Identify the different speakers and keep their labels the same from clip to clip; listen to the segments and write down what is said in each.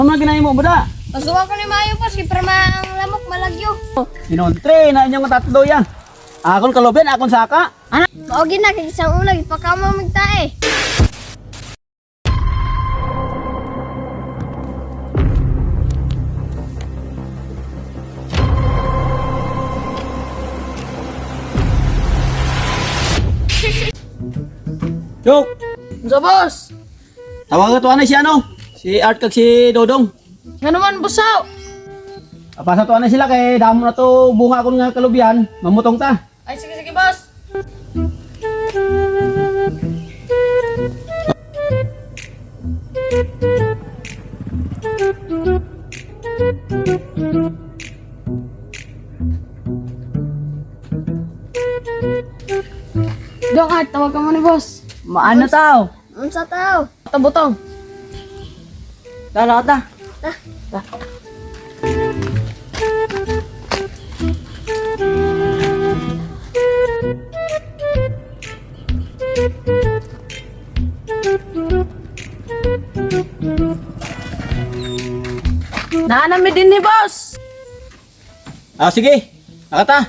Speaker 1: Ano man ginahin mo, buda?
Speaker 2: Pasuwa ko ni Mayo boss, kay para ang lamok malagyo.
Speaker 1: Inontre na inyong tatlo yan. Akon kalobyan, akon saka.
Speaker 2: Ana, maogi na kay isang ulag ipakama magtae.
Speaker 1: Chok!
Speaker 2: Sa boss.
Speaker 1: Tawag ka to si ano? Si Art kag si Dodong.
Speaker 2: Nga naman busaw.
Speaker 1: Apasa to sila kay damo na to bunga akon nga kalobyan. Mamutong ta.
Speaker 2: Ay sige sige boss. Dong Art, tawag ka mo ni boss.
Speaker 3: Maano tao?
Speaker 2: Unsa tao? Tabutong.
Speaker 3: Dala ka ta.
Speaker 2: Naanami din ni boss.
Speaker 1: Sige. Nakata.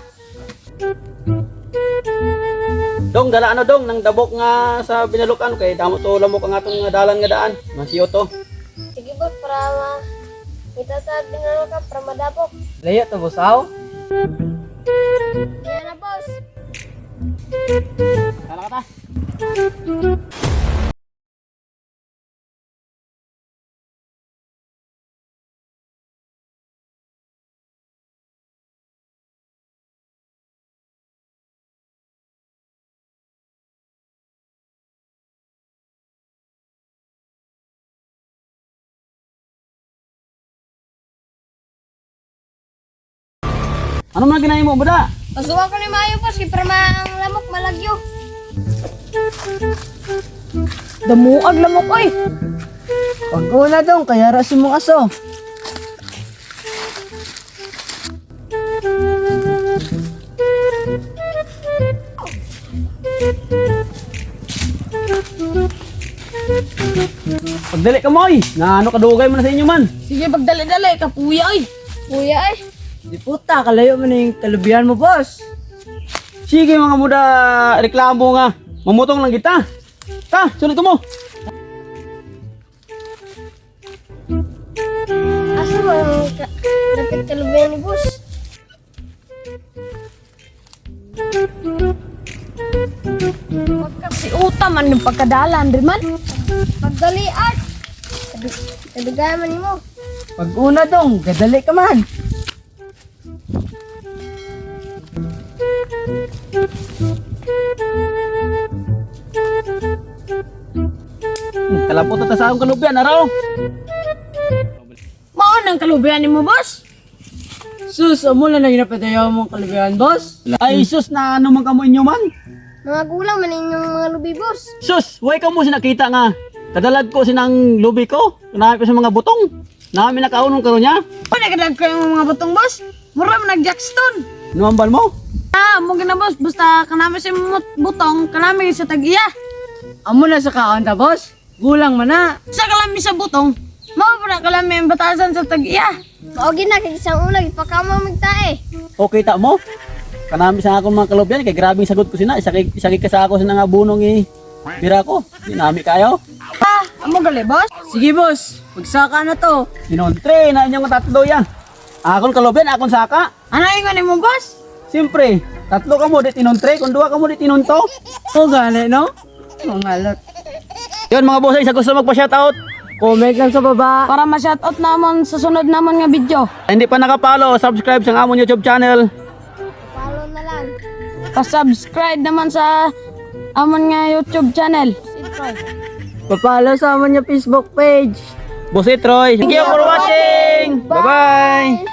Speaker 1: Dong, dala ano dong, nang dabok nga sa binalukan kay damo to lamok ang atong nga dalan nga daan. Masiyo to.
Speaker 2: Sige boss, para itatag din na ka para madapok.
Speaker 3: Layo to busaw.
Speaker 2: Yan na boss.
Speaker 1: Dala ka ta. Ano man ginahin mo, buda?
Speaker 2: Pasuwa ko ni Mayo boss, kay para ang lamok malagyo.
Speaker 3: Damuag lamok oy. Pag una dong, kaya rasin mong aso.
Speaker 1: Pagdali ka moy. Nga ano kadugay mo na sa inyo man.
Speaker 2: Sige, pagdali-dali, kapuya ay. Kuya ay.
Speaker 3: Di puta, kalayo mo na yung kalubihan mo, boss.
Speaker 1: Sige mga muda, reklamo nga. Mamutong lang kita. Ta, sunod mo.
Speaker 2: Asa mo ang dapat kalubayan ni boss? Si Uta man yung pagkadalan, rin man. Pagdali Art. Kadugay man mo.
Speaker 3: Pag una dong, gadali ka man.
Speaker 1: Kalapot na ta sa akong kalubyan, araw.
Speaker 2: Maon ang kalubayan ni mo, boss?
Speaker 3: Sus, amo na nang napatayaw mong kalubihan, boss.
Speaker 1: Ay sus na ano man kamo inyo man.
Speaker 2: Mga gulang man inyong mga lubi, boss.
Speaker 1: Sus, way ka mo sinakita nga. Kadalag ko sinang lubi ko. Kanahan ko sa mga butong. Namin nakaunong karon niya.
Speaker 2: Panagadag ko yung mga butong, boss. Mura man nag-jackstone.
Speaker 1: Nuambal mo?
Speaker 2: Mo gina, boss. Basta kanami si butong, kanami sa tag-iya.
Speaker 3: Amo na sa kaon ta, boss. Gulang man na.
Speaker 2: Sa kalami sa butong, mao pa na kalami ang batasan sa tag-iya. Maogi na kay isang ulag ipakama magtae.
Speaker 1: Okay ta mo? Kanami sa akong mga kalubyan kay grabing sagot ko sina. Isakit ka sa ako sa nga bunong bira ko. Dinami kayo.
Speaker 2: Amo gali, boss?
Speaker 3: Sige, boss. Magsaka na to.
Speaker 1: Inontre na inyong tatlo yan. Akon kalubyan, akon saka.
Speaker 2: Ano ingon mo, boss?
Speaker 1: Siyempre, tatlo ka mo dit inontre, kung duha ka mo dit inunto.
Speaker 3: O, gani, no? Mangalot.
Speaker 1: Yun mga boss, sa gusto magpa-shoutout.
Speaker 3: Comment lang sa baba.
Speaker 2: Para ma-shoutout naman sa sunod naman nga video.
Speaker 1: Hindi pa nakapalo, subscribe sa amon YouTube channel.
Speaker 2: Follow na lang. Pa-subscribe naman sa amon nga YouTube channel.
Speaker 3: Papalo sa amon yung Facebook page.
Speaker 1: Boss Troy, thank you for watching. Bye-bye.